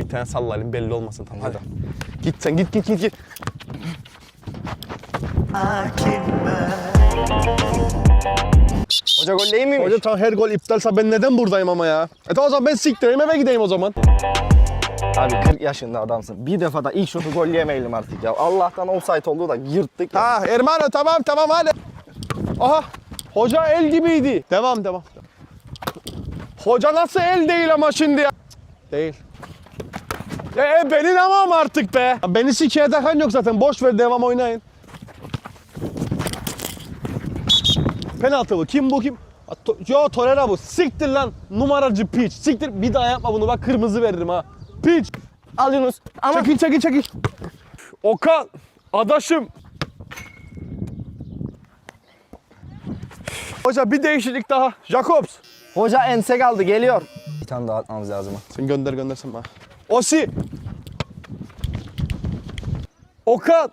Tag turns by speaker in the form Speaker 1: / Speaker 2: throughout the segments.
Speaker 1: bir tane sallayalım belli olmasın tamam hadi. Git sen git.
Speaker 2: Hoca gol değil miymiş?
Speaker 1: Hoca tamam her gol iptalsa ben neden buradayım ama ya? Tamam o zaman ben siktireyim eve gideyim o zaman.
Speaker 2: Abi 40 yaşında adamsın. Bir defada ilk şutu gol yemeyelim artık ya. Allah'tan offside oldu da yırttık ya.
Speaker 1: Ha Ermano tamam hadi. Aha hoca el gibiydi. Devam. Hoca nasıl el değil ama şimdi ya? Değil. Beni tamam artık be. Beni sikiye takan yok zaten. Boş ver devam oynayın. Penaltı bu. Kim bu kim? Yo Torreira bu. Siktir lan. Numaracı piç. Siktir. Bir daha yapma bunu. Bak kırmızı veririm ha. Piç.
Speaker 2: Al Yunus. Ama...
Speaker 1: Çekil. Okan. Adaşım. Hoca bir değişiklik daha. Jacobs.
Speaker 2: Hoca ense kaldı geliyor. Bir tane daha atmamız lazım.
Speaker 1: Sen göndersen bana. Osi. Okan.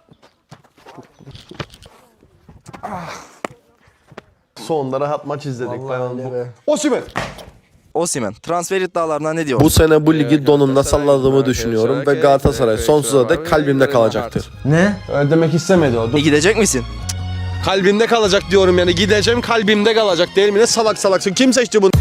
Speaker 1: Sonunda rahat maç izledik. Osimhen.
Speaker 3: Osimhen transfer iddialarına ne diyor?
Speaker 4: Bu sene bu ligi donumda salladığımı düşünüyorum ve Galatasaray sonsuza dek kalbimde kalacaktır.
Speaker 3: Ne?
Speaker 1: Öyle demek istemedi o.
Speaker 3: Gidecek misin?
Speaker 1: Kalbimde kalacak diyorum yani. Gideceğim kalbimde kalacak değil mi? Ne salaksın. Kim seçti bunu?